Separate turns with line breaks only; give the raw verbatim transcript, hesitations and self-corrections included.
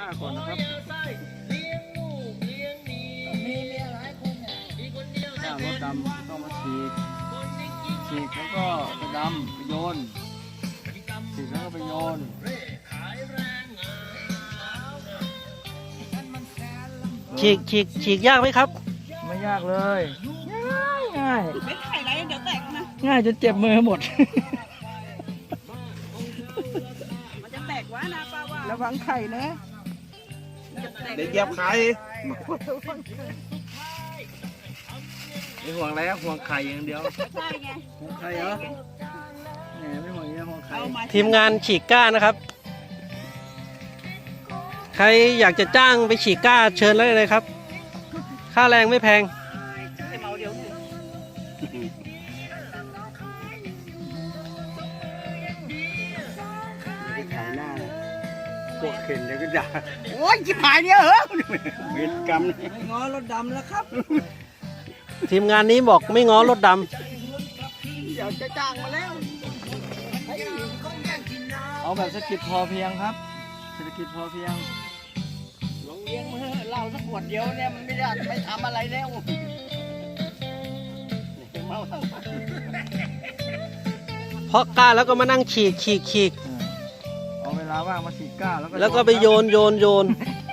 ก่อนนะครับกล้ารถดำต้องมาฉีกฉีกแล้วก็ไปดำไปโยนฉีกแล้วก็ไปโยน
ฉีกฉีกฉีกยากไหมครับ
ไม่ยากเลยง่ายง่าย
ไม่ไข่ไรเดี๋ยวแตกนะ
ง่ายจนเจ็บมือหมด
มันจะแตกวะนะป้าว่า
ระวังไข่นะ
เดี๋ยวเหยียบไข่
ไม่ห่วงอะไรห่วงไข่อย่างเดียว
ใช่ไง
ห่วงไข่เหรอแหมไม่ห่วงเรื่องห่วงไข่
เอามา
ทีมงานฉีกก้านะครับ ใครอยากจะจ้างไปฉีกก้าเชิญเลยเลยครับ ค่าแรงไม่แพง
ให้เมาเดี๋ยวหนึ่ง
ไข่หน้าพวกเข็นเดี๋ยวก็ด่า
โอ้ยจิบหายเนี่ยเหรอ
เวรกรรม
ไม่ง้อรถดำแล้วครับ
ทีมงานนี้บอกไม่ง้อรถด
อยากจะจ้างมาแล้ว
เอาแบบเศรษฐกิจพอเพียงครับเศรษฐกิจพอเพียง
หลวงเลี้ยงมาเหล้าสักขวดเดียวเนี่ยมันไม่ได้ไม่ทำอะไรแล้วเมา
ำเพราะก้าแล้วก็มานั่งฉีกฉีกฉีก
เอาเวลาว่างมาฉีกก้าแล้วก็
แล้วก็ไปโยนโยนโยน
โ